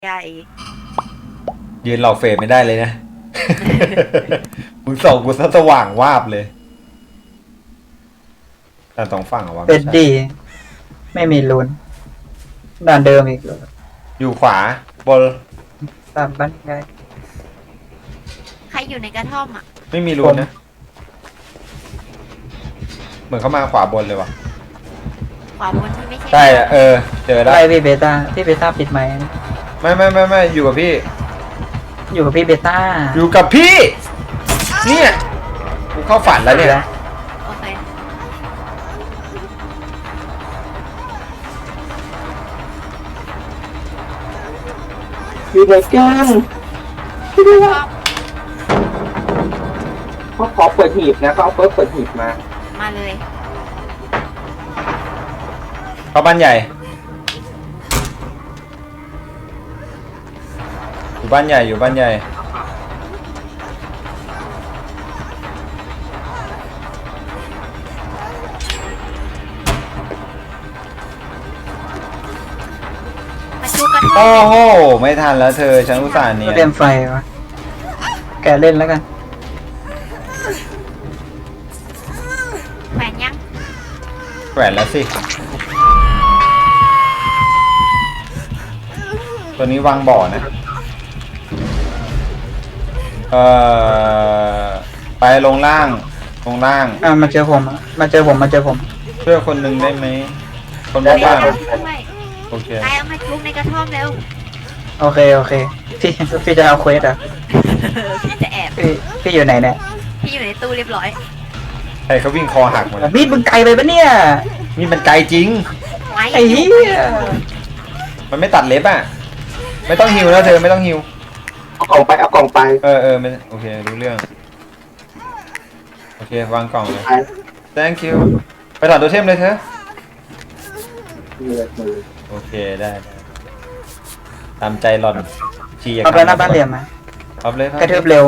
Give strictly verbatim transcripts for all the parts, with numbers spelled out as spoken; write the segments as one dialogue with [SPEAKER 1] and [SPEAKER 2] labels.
[SPEAKER 1] ใหญ่
[SPEAKER 2] ยืนหลอกเฟรมไม่ได้เลยนะ มึงส่องกูซะสว่างวาบเลยแต่สองฝั่งอะวะ
[SPEAKER 3] เป็นดีไม่มีลุ้นด่านเดิมอีก
[SPEAKER 2] อยู่ขวาบน
[SPEAKER 3] ตามบ้านไง
[SPEAKER 1] ใครอยู่ในกระท่อมอ่ะ
[SPEAKER 2] ไม่มีรูนนะ เหมือนเขามาขวาบนเลยวะ
[SPEAKER 1] ขวาบนที่ไม่ใช่
[SPEAKER 2] ใช่อะเออเจอแล้ว
[SPEAKER 3] ไล่พี่เบต้าพี่เบต้าปิดไหมค์
[SPEAKER 2] ไม่ไม่ไม่ไม่อยู่กับพี่
[SPEAKER 3] อยู่กับพี่เบต้า
[SPEAKER 2] อยู่กับพี่ เนี่ยกูเข้าฝันแล้วเนี่ย
[SPEAKER 1] โอเค
[SPEAKER 4] อยู่ในแก้ง
[SPEAKER 1] ท่อม
[SPEAKER 4] เขาขอเปิดหีบนะเขาเอาเปิดเปิดหีบมา
[SPEAKER 1] มาเลย
[SPEAKER 2] เข้าบ้านใหญ่อยู่บ้านใหญ่อยู่บ้านใหญ่
[SPEAKER 1] มาชูกระท่อ
[SPEAKER 2] โอ้
[SPEAKER 1] ม
[SPEAKER 2] โหไม่ทันแล้วเธอฉันอุตส่าห์เนี่
[SPEAKER 3] ก็
[SPEAKER 2] ย
[SPEAKER 3] เตรียมไฟวะแกเล่นแล้วกัน
[SPEAKER 1] แขวนยัง
[SPEAKER 2] แขวนแล้วสิตัวนี้วางบ่อนะเอ่อไปลงล่างลงล่าง
[SPEAKER 3] อ่ามาเจอผมอะมาเจอผมมาเจอผม
[SPEAKER 2] ช่วยคนหนึ่งได้ไหมคน
[SPEAKER 1] ได้
[SPEAKER 2] บ้าง
[SPEAKER 1] ด้วย
[SPEAKER 2] โอเค
[SPEAKER 1] ใครเอามาชุบในกระท่อมเร็ว
[SPEAKER 3] โอเคโอเคพี่พี่จะเอาเควสเหรอ่ะ
[SPEAKER 1] พี่จะแอบ
[SPEAKER 3] พี่พี่อยู่ไหนเนี่ย
[SPEAKER 1] พี่อยู่ในตู้เรียบร้อย
[SPEAKER 2] ใครเขาวิ่งคอหักหมดแล้ว
[SPEAKER 3] มีดมึงไกลไปปะเนี่ย
[SPEAKER 2] นี่มันไกลจริง
[SPEAKER 1] ไม้
[SPEAKER 3] ไอ้เหี้ย
[SPEAKER 2] มันไม่ตัดเล็บอ่ะไม่ต้องหิวแล้วเธอไม่ต้องหิว
[SPEAKER 4] เอากล่องไปเอากล่องไป
[SPEAKER 2] เออเออไม่โอเครู้เรื่องโอเควางกล่องเลย
[SPEAKER 4] ไป
[SPEAKER 2] thank you ไปถอดตัวเทมเลยเธอ
[SPEAKER 4] เลยมือ
[SPEAKER 2] โอเคได้ได้ตามใจหล่อนชีอยาก
[SPEAKER 3] เอาไปหน้าบ้านเหลี่ยมมา
[SPEAKER 2] เอาเลยครับ
[SPEAKER 3] กระเทืบเร็ว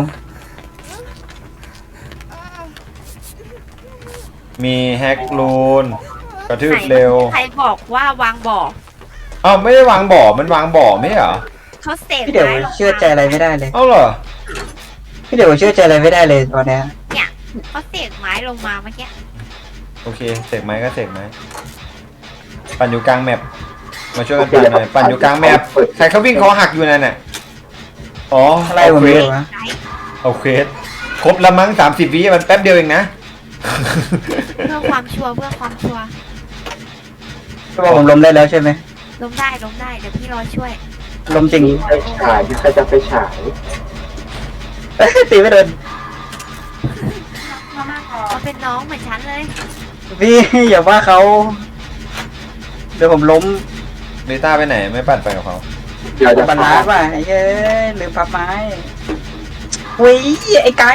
[SPEAKER 2] มีแฮกลูนกระทืบเร็ว
[SPEAKER 1] ใครบอกว่าวางบ่อ
[SPEAKER 2] อ้าวไม่ได้วางบ่อมันวางบ่อไม่ใช่เหรอ
[SPEAKER 1] เขาเสก
[SPEAKER 3] พี่เดี๋ยว
[SPEAKER 1] ไม้ลงมา
[SPEAKER 3] เชื่อใจอะไรไม่ได้เลย
[SPEAKER 2] เอ้าเหรอ
[SPEAKER 3] พี่เดี๋ยวเชื่อใจอะไรไม่ได้เลยตอนเนี้ย
[SPEAKER 1] เนี่ยเขาเสกไม้ลงมาเมื่อกี้
[SPEAKER 2] โอเคเสกไม้ก็เสกไม้ปั่นอยู่กลางแมปมาช่วยกันปั่นหน่อยปั่นอยู่กลางแมปใครเขาวิ่งเขาหักอยู่นั่นน่ะอ๋อ
[SPEAKER 3] อะไร
[SPEAKER 2] เอา
[SPEAKER 3] ผม
[SPEAKER 2] เคว
[SPEAKER 3] ไม่
[SPEAKER 2] ส
[SPEAKER 3] รู้วะ
[SPEAKER 1] ไกด์
[SPEAKER 2] เอาเควสครบละมั้งสามสิบวิมันแป๊บเดียวเองนะ
[SPEAKER 1] เพื่อความชัวร์เพื่อความชัวร์
[SPEAKER 3] ก็บอกผมล้มได้แล้วใช่ไหม
[SPEAKER 1] ล้มได้ล้มได้เดี๋ยวพี่รอช่วย
[SPEAKER 3] ล้มจริง
[SPEAKER 4] ไปฉายใครจะไปฉาย
[SPEAKER 3] เอ้ยตีไม่โดน
[SPEAKER 1] เขาเป็นน้องเหมือนฉันเลย
[SPEAKER 3] พี่อย่าว่าเขาเดี๋ยวผมล้ม
[SPEAKER 2] เบต้าไปไหนไม่ปั่นไปกับเขา
[SPEAKER 4] เดี๋ยวจะ
[SPEAKER 3] บรรลัดว่ะไอ้เอ้ยลืมพับไม้เว้ยไอ้ไก่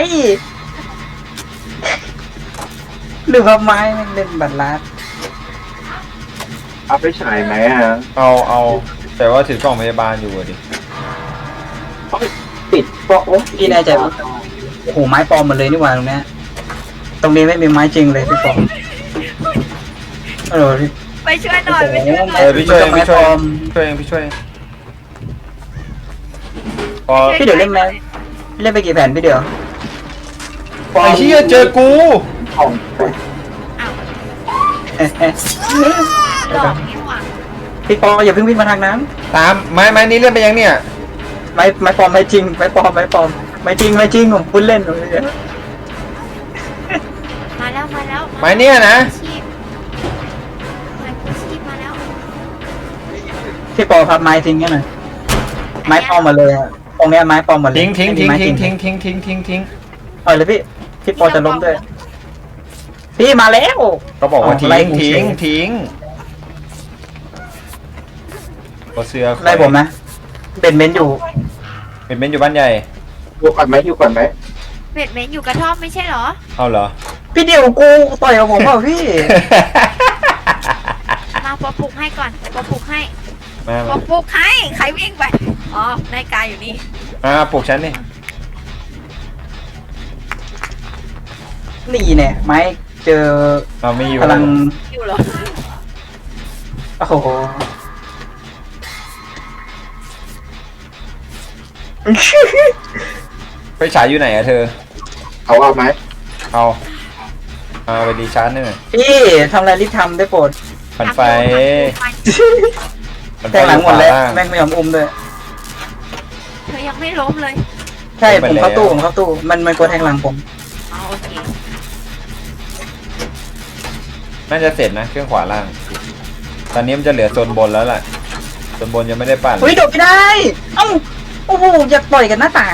[SPEAKER 3] ลืมพับไม้แม่งเล่นบรรลัด
[SPEAKER 4] เอาไปฉายไหมอ่ะ
[SPEAKER 2] เอาเอาแต่ว่าถือกล่องพยาบาลอยู่อะดิ
[SPEAKER 4] ติดก็โอ้
[SPEAKER 3] พี่แน่ใจว่าโอ้โหไม้ปลอมหมดเลยนี่หว่าตรงเนี้ยตรงนี้ไม่มีไม้จริงเลยพี่ปอมเออ
[SPEAKER 1] ไปช่วยหน่อยไปช่วยหน่
[SPEAKER 2] เอ
[SPEAKER 1] อย
[SPEAKER 2] อพี่ช่วยเอง
[SPEAKER 3] ไม้
[SPEAKER 2] พี่ช่วย
[SPEAKER 3] ปล
[SPEAKER 2] เอ
[SPEAKER 3] อง ม
[SPEAKER 2] ช่วยเองพี่ช่วยเองพอ
[SPEAKER 3] พี่เดี๋ยวเล่นไหมเล่นไปกี่แผ่นพี่เดี๋ยว
[SPEAKER 2] ไอ้เหี้ยเจอกู
[SPEAKER 4] ของไป
[SPEAKER 1] ดอกนี้หว่า
[SPEAKER 3] พี่ปออย่าเพิ่งวิ่งมาทางนั้น
[SPEAKER 2] ตามไม้ไม้นี้เล่นไปยังเนี่ย
[SPEAKER 3] ไม้ไม้ปลอมไม้จริงไม้ปลอมไม้ปลอมไม้จริงไม้จริงผมพูดเล่นผมเลย
[SPEAKER 1] มาแล้วมาแล้ว
[SPEAKER 2] ไม้เนี่ยนะ
[SPEAKER 1] ชีพไม้กู้ชีพมาแล้ว
[SPEAKER 3] พี่ปอพับไม้ทิ้งกันหน่อยไม้ปลอมหมาเลยอะตรงเนี้ยไม้ปลอมหมดเลย
[SPEAKER 2] ทิ้งทิ้งทิ้ง
[SPEAKER 3] ไม่มี
[SPEAKER 2] ทิ้ง
[SPEAKER 3] ไม้จริ
[SPEAKER 2] ทิ้งทิ้งทิ้งทิ้งทิ้ง
[SPEAKER 3] ปล่อยเลยพี่พี่ปอจะล้มด้วยพี่มาแล้ว
[SPEAKER 2] ก็บอกว่า
[SPEAKER 3] อ๋อ
[SPEAKER 2] ทิ้
[SPEAKER 3] ไล่
[SPEAKER 2] ง
[SPEAKER 3] ผม
[SPEAKER 2] ทิ้ง
[SPEAKER 3] เฉย
[SPEAKER 2] ทิ้งก็เสือ
[SPEAKER 3] ไล่ผมนะเบนเมนต์อยู่
[SPEAKER 2] เป็นเบนอยู่บ้านใหญ่
[SPEAKER 4] อยู่ก่อนไหมอยู่ก่อนไหม
[SPEAKER 1] เบ็ดเม้นอยู่กระท่อมไม่ใช่เหรอ
[SPEAKER 2] เอาเหรอ
[SPEAKER 3] พี่เดียวกูต่อยกับผมเปล่าพี่
[SPEAKER 1] มาปอปลุกให้ก่อนปอปลุกให้
[SPEAKER 2] มา
[SPEAKER 1] ป
[SPEAKER 2] มา
[SPEAKER 1] อปลุกให้ใครวิ่งไปอ๋อนายกายอยู่นี่
[SPEAKER 2] มาปลุกฉันนี่
[SPEAKER 3] นี่เนี่ยไม้เจอ
[SPEAKER 2] เราไม่อยู่
[SPEAKER 3] พลัง
[SPEAKER 1] อยู่เหรอ
[SPEAKER 3] โอ้โห
[SPEAKER 2] ไฟฉายอยู่ไหนอะเธอ
[SPEAKER 4] เอาเอาไหม
[SPEAKER 2] เอาเอาไปดีชาร์จหน่อย
[SPEAKER 3] พี่ทำอะไรรีบทำได้โปรด
[SPEAKER 2] ปั่นไฟปั่นไฟ
[SPEAKER 3] แทงหลังหมดแล้ว
[SPEAKER 2] ขวาาง
[SPEAKER 3] แม่งไม่ยอมอุ้มด้วย
[SPEAKER 1] เธอยังไม่ล้มเลย
[SPEAKER 3] ใช่
[SPEAKER 2] ไป
[SPEAKER 3] ผม
[SPEAKER 2] แล้ว
[SPEAKER 3] เข้าตู้ผมเข้าตู้มันมันกลัวแทงหลังผม
[SPEAKER 1] อ๋อโอเค
[SPEAKER 2] น่าจะเสร็จนะเครื่องขวาล่าง ตอนนี้มันจะเหลือโซนบนแล้วล่ะโซนบนยังไม่ได้ปั่น
[SPEAKER 3] เฮ้ยโดดไม่ได้เอ้าโอ้โหอยากต่อยกันหน้าต่าง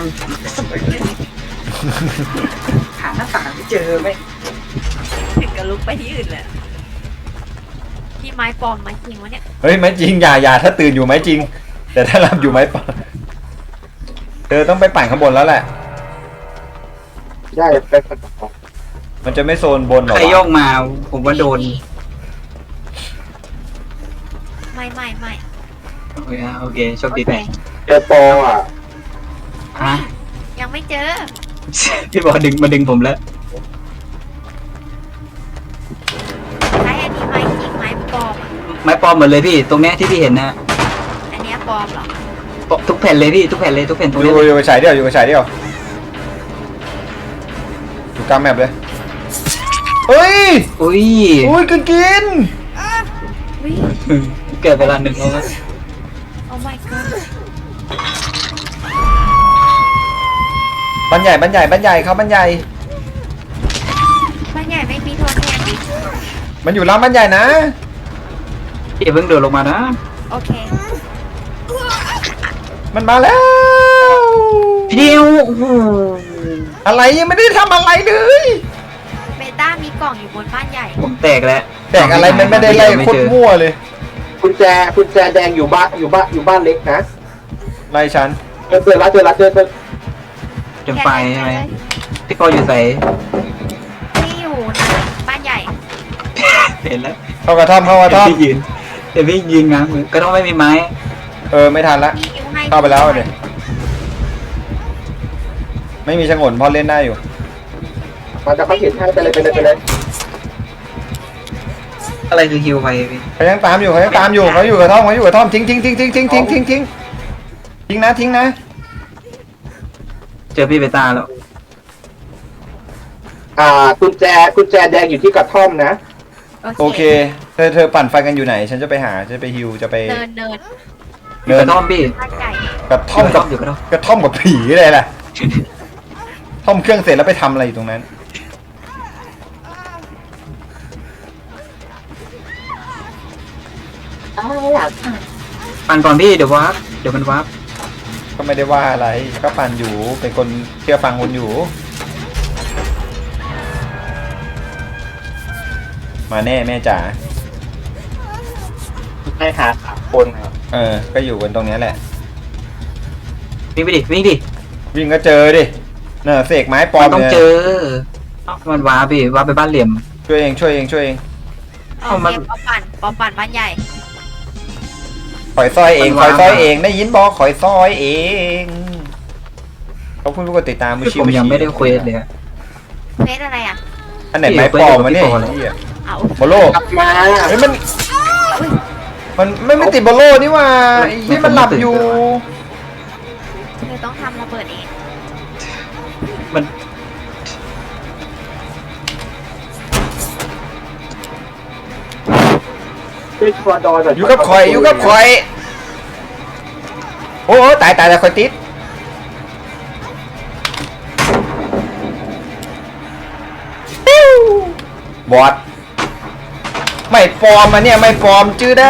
[SPEAKER 3] หาหน้าต่างไม่เจอไหม
[SPEAKER 1] ถึงกับลุกไปที่อื่นเลยที่ไม้ปลอมไม้จริงวะเนี่ย
[SPEAKER 2] เฮ้ยไม่จริงอย่าอย่าถ้าตื่นอยู่ไหมจริง แต่ถ้าหลับอยู่ไหมปะเธอต้องไปปั่นข้างบนแล้วแหละ
[SPEAKER 4] ได้ไปกันต่อ
[SPEAKER 2] มันจะไม่โซนบนหรอ
[SPEAKER 3] ใครโย
[SPEAKER 2] วะ
[SPEAKER 3] กมาผมว่าโดน
[SPEAKER 1] ไม่ไม่ไม่
[SPEAKER 3] โอเคโอเคโชค
[SPEAKER 1] โอ
[SPEAKER 3] ดี
[SPEAKER 1] เค
[SPEAKER 3] แม่
[SPEAKER 4] เจอโปรอ่ะ
[SPEAKER 3] ฮะ
[SPEAKER 1] ยังไม่เจอ
[SPEAKER 3] พี่บอกดึงมาดึงผมแล้ว
[SPEAKER 1] ใช้อันนี้ไม้จริงไม้ปลอมอ่ะ
[SPEAKER 3] ไม้ปลอมหมดเลยพี่ตรงเนี้ยที่พี่เห็นนะ
[SPEAKER 1] อันเนี้ยปลอมเหรอ
[SPEAKER 3] ทุกแผ่นเลยพี่ทุกแผ่นเลยทุกแผ่นตรง
[SPEAKER 2] อ
[SPEAKER 3] นี้
[SPEAKER 2] ยู่
[SPEAKER 3] เลย
[SPEAKER 2] อยู่กับฉายเดียวอยู่กับฉายเดียวอยู่กลางแมปเลยเฮ้ย
[SPEAKER 3] อุ้ย
[SPEAKER 2] อุ้ยกินกิน
[SPEAKER 1] วิ
[SPEAKER 3] เกิดเวลาหนึ่งแล้วนะ
[SPEAKER 1] โอ้ my god
[SPEAKER 2] บันใหญ่บันใหญ่บันใหญ่เขาบันใหญ่
[SPEAKER 1] บ้านใหญ่ไม่มีโทนแทนดิ
[SPEAKER 2] มันอยู่ล่างบันใหญ่นะ
[SPEAKER 3] พี่เพิ่งเดินลงมานะ
[SPEAKER 1] โอเค
[SPEAKER 2] มันมาแล้ว
[SPEAKER 3] พี่เดียวโอ้โห
[SPEAKER 2] อะไรยังไม่ได้ทำอะไรเลย
[SPEAKER 1] เบต้ามีกล่องอยู่บนบ้านใหญ่
[SPEAKER 3] ผมแตกแล้ว
[SPEAKER 2] แต่งอะไรมันไม่ได้ไล่โคตรมั่วเลย
[SPEAKER 4] กุญแจกุญแจแดงอยู่บ้านอยู่บ้านอยู่บ้านเล็กนะ
[SPEAKER 2] ไล่ฉัน
[SPEAKER 4] เจอเจอแล้วเจอแล้วเจอเจอ
[SPEAKER 3] จนไฟใช่ไหมพี่ปออยู่ใส่
[SPEAKER 1] ที่อยู่นะบ้านใหญ่
[SPEAKER 3] เห็นแล้ว
[SPEAKER 2] เข้ากระท่อมเข้ากระท่อม
[SPEAKER 3] พี่ยืนเดี๋ยวพี่ยืนง้างมือก็ต้องไม่มีไม้
[SPEAKER 2] เออไม่ทันละ
[SPEAKER 1] มีอยู่ให้
[SPEAKER 2] เข้าไปแล้วเดี๋ยวไม่มีชงนพอเล่นได้อยู่
[SPEAKER 4] มันจะเขาเห็นให้ไปเลยไปเลยไปเลย
[SPEAKER 3] อะไรคือฮิวไปพี่
[SPEAKER 2] เขายังตามอยู่เขายังตามอยู่เขาอยู่กระท่อมเขาอยู่กระท่อมทิ้งทิ้งทิ้งทิ้งทิ้งทิ้งทิ้งทิ้งทิ้งนะทิ้งนะ
[SPEAKER 3] เจอพี่เบต้าแล้ว
[SPEAKER 4] อ่ากุญแจกุญแจแดงอยู่ที่กระท่อมนะ
[SPEAKER 2] โอเคเธอเธอปั่นไฟกันอยู่ไหน ฉันจะไปหาฉันจะไปฮิวจะไป
[SPEAKER 1] เนินเนิน
[SPEAKER 3] อยู่กระท่อมพี่
[SPEAKER 1] บ้านใหญ่
[SPEAKER 2] กระท่อมกับ
[SPEAKER 3] อยู่กระท่อม
[SPEAKER 2] กระท่อมกับผีเลยล่ะท่อมเครื่องเสร็จแล้วไปทำอะไรอยู่ตรงนั้น
[SPEAKER 3] ปั่นก่อนพี่เดี๋ยววาร์ปเดี๋ยวมันวาร์ป
[SPEAKER 2] ก็ไม่ได้ว่าอะไรก็ปั่นอยู่เป็นคนเชื่อฟังคนอยู่ มาแน่แม่จ๋า
[SPEAKER 4] ให้หาสามคนครับ
[SPEAKER 2] เออก็อยู่กันตรงเนี้ยแหละ
[SPEAKER 3] วิ่งไปดิวิ่งดิ
[SPEAKER 2] วิ่งก็เจอดิเนอะเสกไม้ปลอ
[SPEAKER 3] มั
[SPEAKER 2] ม
[SPEAKER 3] นต้อง
[SPEAKER 2] เนี่ย
[SPEAKER 3] เจอเอ้ามันวาร์ปพี่วาร์ปไปบ้านเหลี่ยม
[SPEAKER 2] ช่วยเองช่วยเองช่วยเอง
[SPEAKER 1] โอ
[SPEAKER 3] เอา
[SPEAKER 1] เค
[SPEAKER 3] มัน
[SPEAKER 1] ปอปั่นปอปั่นบ้านใหญ่
[SPEAKER 2] ขอยซอยเองขอยซอยเองได้ยินบอกขอยซอยเองเขาเพิ่งรู้กดติดตามมือ
[SPEAKER 3] คือ
[SPEAKER 2] ชิ
[SPEAKER 3] ผม
[SPEAKER 2] มือ
[SPEAKER 3] ยัง
[SPEAKER 2] ชิ
[SPEAKER 3] ไม่ได้เควสเลยอะ
[SPEAKER 1] เพชรอะไรอ่ะ
[SPEAKER 2] อันไหนไม้ปลอมวะเนี่ย
[SPEAKER 3] พี่
[SPEAKER 2] ไอ้เหี้ย
[SPEAKER 1] เอา
[SPEAKER 2] โบโล
[SPEAKER 4] กลับมา
[SPEAKER 2] เฮ้ยมันมันไม่ไม่ติดโบโลนี่หว่าไอ้ที่มันหลับอยู่
[SPEAKER 1] เธอต้องทำระเบิดเอง
[SPEAKER 3] มัน
[SPEAKER 4] ช่วยชัวร์ดอยหน่อย
[SPEAKER 2] อยู่กับข่อยอยู่กับข่อยโอ้โหตายตายแล้วข่อยติดบอดไม่ปลอมมาเนี่ยไม่ปลอมจื้อได้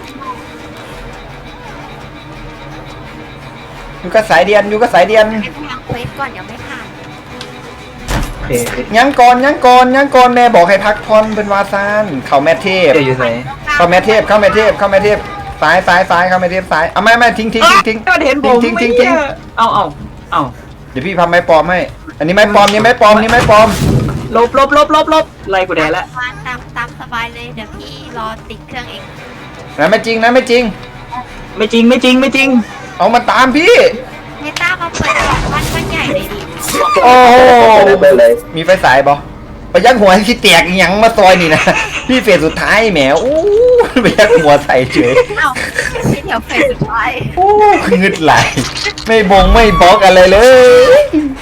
[SPEAKER 2] อยู่กับสายเดียนอยู่กับสายเดียน
[SPEAKER 1] ให้พลังเควสก่อนยังไม่ผ่าน
[SPEAKER 3] โอเค
[SPEAKER 2] ยังก่อนยังก่อนยังก่อนแม่บอกให้พักผ่อนเป็นวาซานเข้าแม่เทพ
[SPEAKER 3] เดี๋ยวอยู่ใส่
[SPEAKER 2] เข้าแม่เทพเข้าแม่เทพเข้าแม่เทพซ้ายซ้ายซ้ายเข้าแม่เทพซ้ายเอาไม่ไม่ทิ้งทิ้งทิ้งทิ้ง
[SPEAKER 3] มันเห็นผม
[SPEAKER 2] ทิ้งทิ้งทิ้ง
[SPEAKER 3] ไม่เนี่ยเอาเอาเอา
[SPEAKER 2] เดี๋ยวพี่ทำไม้ปลอมให้อันนี้ไม้ปลอมนี่ไม้ปลอมนี่ไม้ปลอม
[SPEAKER 3] ลบลบลบลบลบไล่กูแดดละ
[SPEAKER 1] วางตามตามสบายเลยเดี๋ยวพี่รอติดเครื่องเอง
[SPEAKER 2] นะไม่จริงนะไม่จริง
[SPEAKER 3] ไม่จริงไม่จริงไม่จริง
[SPEAKER 2] เอามาตามพี่
[SPEAKER 1] เพต้ามาเปิดกล่องบ้านบ้านใหญ่เลยดิ
[SPEAKER 2] โอ้โห
[SPEAKER 4] ไปเลย
[SPEAKER 2] มีไฟสายบอไปยักหัวให้ขี้แตกอีหยังมาซอยนี่นะ พี่เฟสสุดท้ายแหมอู้ไปยักหัวใส่เฉย
[SPEAKER 1] เอ้าพี่เทถวเฟสสุดท้าย
[SPEAKER 2] โอ้งึดไหลไม่บงไม่บล็อกอะไรเลย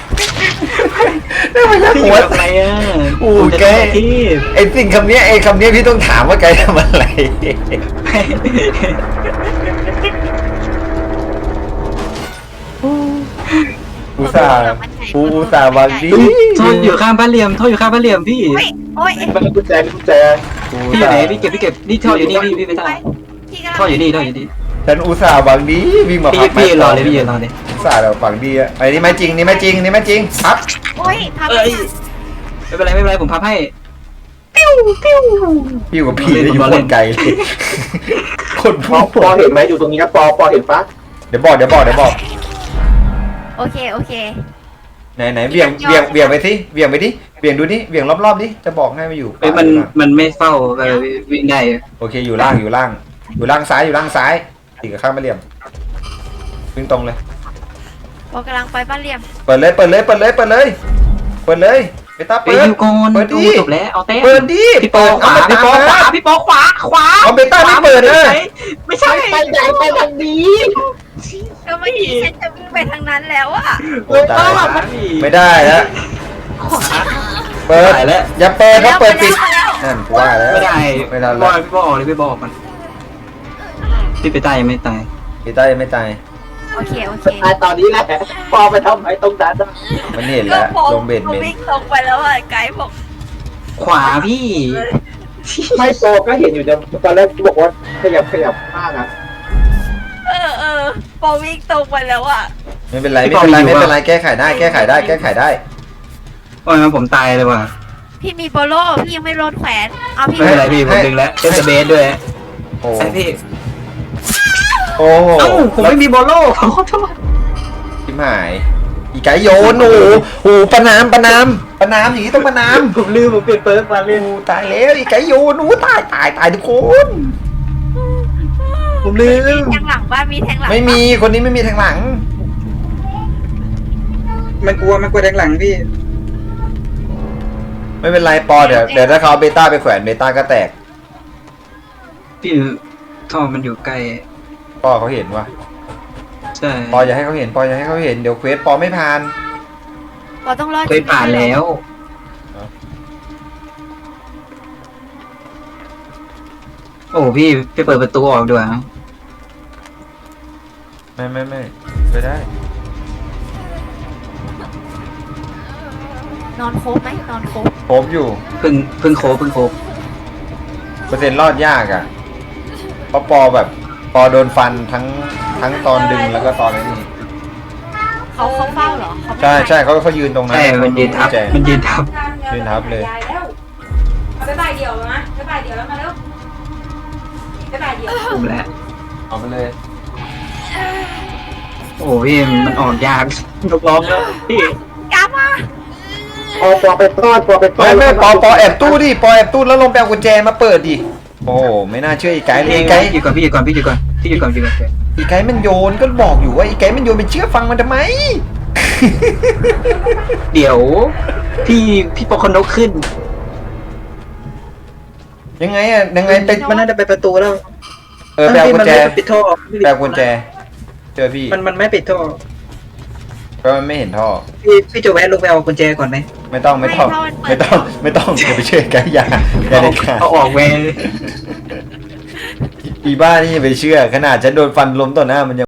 [SPEAKER 2] ได้มาจาก
[SPEAKER 3] พี่
[SPEAKER 2] หัว
[SPEAKER 3] ทำอะไรอ่ะ
[SPEAKER 2] โอ้
[SPEAKER 3] ผมจะ
[SPEAKER 2] แก
[SPEAKER 3] ทำที่
[SPEAKER 2] ไอ้สิ่งคำเนี้ยไอ้คำเนี้ยพี่ต้องถามว่าไกด์ทำอะไรอุตส่าห์อุตส่าห์วางดี
[SPEAKER 3] โทษอยู่ข้างบ้านเหลี่ยมโทษอยู่ข้างบ้านเหลี่ยมพี่
[SPEAKER 1] โอ้ยโอ้ย
[SPEAKER 4] มันกุญแจกุญแจ
[SPEAKER 3] พี่อยู่ไหนพี่เก็บพี่เก็บนี่ท่ออยู่นี่พี่พี่ไปท่อ
[SPEAKER 1] พี่กำลัง
[SPEAKER 3] ท่ออยู่นี่ท่ออยู่นี่
[SPEAKER 2] ฉันอุตส่าห์วางดีวิ่งมา
[SPEAKER 3] พี่
[SPEAKER 2] พับ
[SPEAKER 3] พี่รอเลยพี่ยืนรอเลย
[SPEAKER 2] อุตส่าห์เราฝังดีอะไอ้นี่ไม่จริงนี่ไม่จริงนี่ไม่จริงพับ
[SPEAKER 1] โอ้ยทำไม
[SPEAKER 3] เอ้ยไม่เป็นไรไม่เป็นไรผมพับให้
[SPEAKER 2] พี่กับพี่ได้อยู่คนไกลเลยคน
[SPEAKER 4] ป
[SPEAKER 2] พู
[SPEAKER 4] อ
[SPEAKER 2] ด
[SPEAKER 4] ปอเห็นไหมอยู่ตรงนี้นะปอปอเห็นปะ
[SPEAKER 2] เดี๋ยวบอกเดี๋ยวบอกเดี๋ยวบอก
[SPEAKER 1] โอเคโอเค
[SPEAKER 2] ไหนไหนเบี่ยงเบี่ยงเบี่ยงไปสิเบี่ยงไปดิเบี่ยงดูดิเบี่ยงรอบๆดิจะบอกให้มาอยู่
[SPEAKER 3] เอ้ยมันมันไม่เฝ้าเออวิ่งได้
[SPEAKER 2] โอเคอยู่ล่างอยู่ล่าง อยู่ล่างซ้ายอยู่ล่างซ้ายตีกับข้างมาเหลี่ยมวิ่งตรงเลย
[SPEAKER 1] ปอกำลังไปบ้านเหลี่ยม
[SPEAKER 2] เปิดเลยเปิดเลยเปิดเลยเปิดเลยเปิดเลยไปตา
[SPEAKER 3] ไป
[SPEAKER 2] เปิด
[SPEAKER 3] ยูโกน
[SPEAKER 2] เปิดดิ
[SPEAKER 3] จบแล้วเอาเต้
[SPEAKER 2] เปิดดิ
[SPEAKER 3] พี่ปอขวา
[SPEAKER 2] เอา
[SPEAKER 3] พี่ปอขวา
[SPEAKER 2] เ
[SPEAKER 3] พี่ปอขวาขวา
[SPEAKER 2] เอาเบต้าไม่เปิดนะ
[SPEAKER 3] ไม่ใช่
[SPEAKER 4] ไปไหนไปทางนี้
[SPEAKER 1] ก็เมื่อกี้ฉันจะวิ่งไปทางนั้นแล้วอะ
[SPEAKER 2] โอ้ตายไม่ได้แล้วเปิด
[SPEAKER 3] ตายแล้ว
[SPEAKER 2] อย่าเปิดเพราะเปิดปิด
[SPEAKER 1] มาแล้ว
[SPEAKER 2] นั่นกูว่าแล้ว
[SPEAKER 3] ไม่ได้
[SPEAKER 2] ไม่ทัน
[SPEAKER 3] บ
[SPEAKER 2] แล้
[SPEAKER 3] อ
[SPEAKER 2] ว
[SPEAKER 3] ลพี่ปอออกเลยพี่ปอออกมันพี่ไปตายยังไม่ตาย
[SPEAKER 2] พี่ต้ายังไม่ตาย
[SPEAKER 1] โอเคโอเค
[SPEAKER 4] ตายตอนนี้แหละปอไปทำไมตรงนั้นอะ
[SPEAKER 2] มันเห็นแล้ว
[SPEAKER 1] ก็
[SPEAKER 2] ลงเบ็ด
[SPEAKER 1] ผม
[SPEAKER 2] เบ็ด
[SPEAKER 1] วิ่งตรงไปแล้วอะไกด์บอก
[SPEAKER 3] ขวาพี่
[SPEAKER 4] ไม่ปอก็เห็นอยู่แต่ตอนแรกบอกว่าขยับขยับข้างอะ
[SPEAKER 1] เออเออปอวิ่งตรงไปแล้วอะ
[SPEAKER 2] ไม่เป็นไรไม่เป็นไรไม่เป็นไรแก้ไขได้แก้ไขได้แก้ไขได้
[SPEAKER 3] โอ้ยผมตายเลยว่ะ
[SPEAKER 1] พี่มีโบโลพี่ยังไม่โดนแขวนเอาพี่
[SPEAKER 3] ไม่เป็นไรพี่ผมดึงแล้วเอสเบสด้วย
[SPEAKER 2] โอ้
[SPEAKER 3] ใช่พี่
[SPEAKER 2] โอ้โห
[SPEAKER 3] เอ้าผมไม่มีบอลโล่ขอโทษ
[SPEAKER 2] ทิมหายอีไก่โยนโอ้โหโอ้โหประนามประนามประนามอย่างนี้ต้องประนาม
[SPEAKER 3] ผมลืมผมเปลี่ยนเปิร์กมา
[SPEAKER 2] โอ้ตายแล้วอีไก่โยนโอ้ตายตายตายทุกคน
[SPEAKER 3] ผมลืม
[SPEAKER 1] แทงหลังบ้านมีแทงหลัง
[SPEAKER 2] ไม่มีคนนี้ไม่มีทางหลัง
[SPEAKER 3] มันกลัวมันกลัวแทงหลังพี่
[SPEAKER 2] ไม่เป็นไรปอเดี๋ยวเดี๋ยวถ้าเขาเอาเบต้าไปแขวนเบต้าก็แตก
[SPEAKER 3] พี่ท่อมันอยู่ใกล้
[SPEAKER 2] ปอเขาเห็นว่ะ
[SPEAKER 3] ใช่
[SPEAKER 2] ปออย่าให้เขาเห็นปออย่าให้เขาเห็นเดี๋ยวเควสปอไม่ผ่าน
[SPEAKER 1] ปอต้องรอด
[SPEAKER 3] เคยผ่านแล้ว โอ้พี่ไปเปิดประตูออกด้วย
[SPEAKER 2] ไม่ไม่ไม่ไปได้
[SPEAKER 1] นอนโคบไหมนอนโคบ
[SPEAKER 2] ครบอยู่
[SPEAKER 3] เพิ่งเพิ่งโคบเพิ่งโคบ
[SPEAKER 2] เปอร์เซ็นต์รอดยากอ่ะเพราะปอแบบปอโดนฟันทั้งทั้งตอนดึงแล้วก็ตอนนี้
[SPEAKER 1] เขาเขาเฝ้าเหรอเขาไม่
[SPEAKER 2] ใช่
[SPEAKER 1] ไป
[SPEAKER 2] ใช่เขาเขายืนตรงนั้น
[SPEAKER 3] ใช่มันยืนทับ
[SPEAKER 2] แจ
[SPEAKER 3] มันยืนทับ
[SPEAKER 2] ยืนทับเลย
[SPEAKER 5] ยายแล้วเอาไปบ่ายเดียวนะไปบ่ายเดียวแล้วมาแล้วไปบ่ายเดียว
[SPEAKER 3] ผมแล้ว
[SPEAKER 2] เอาไปเลย
[SPEAKER 3] โอ้พี่มันออกยากยกล้อมแล้วพี่
[SPEAKER 1] กลับมา
[SPEAKER 4] ปอปอไปต้อนปอไปต้อ
[SPEAKER 2] ไม่
[SPEAKER 4] น
[SPEAKER 2] ไม่ปอปอแอบตู้ดิปอแอบตู้แล้วลงไปเอากุญแจมาเปิดดิโอ้ไม่น่าเชื่ออีไก่เลยอีไก่
[SPEAKER 3] อยู่ก่อนพี่อยู่ก่อนพี่อยู่ก่อนพี่อยู่ก่อนอยู่ก่อน
[SPEAKER 2] อีไก่มันโยนก็บอกอยู่ว่าอีไก่มันโยนไปเชื่อฟังมันทำไม
[SPEAKER 3] เดี๋ยว พี่พี่ปอคอนกขึ้น
[SPEAKER 2] ยังไงอ่ะยังไงไป
[SPEAKER 3] มันน่าจะไปประตูแล้ว
[SPEAKER 2] เออไปเอากุญแจ
[SPEAKER 3] มันไม่ปิดท่อ
[SPEAKER 2] ไปเอากุญแจเจอพี่
[SPEAKER 3] มันมันไม่ปิดท่อ
[SPEAKER 2] ก็มันไม่เห็นท่อ
[SPEAKER 3] พี่พี่จะแวะลงไปเอากุญแจก่อนไหม
[SPEAKER 2] ไม่ต้องไม่ต้องไม่ต้องไม่ต้องอย่าไปเชื่อไก่อย่าอย่าเด็ดขาด
[SPEAKER 3] เอาออกแวะ
[SPEAKER 2] อีบ้านี่อย่าไปเชื่อขนาดฉันโดนฟันล้มต่อหน้ามันยัง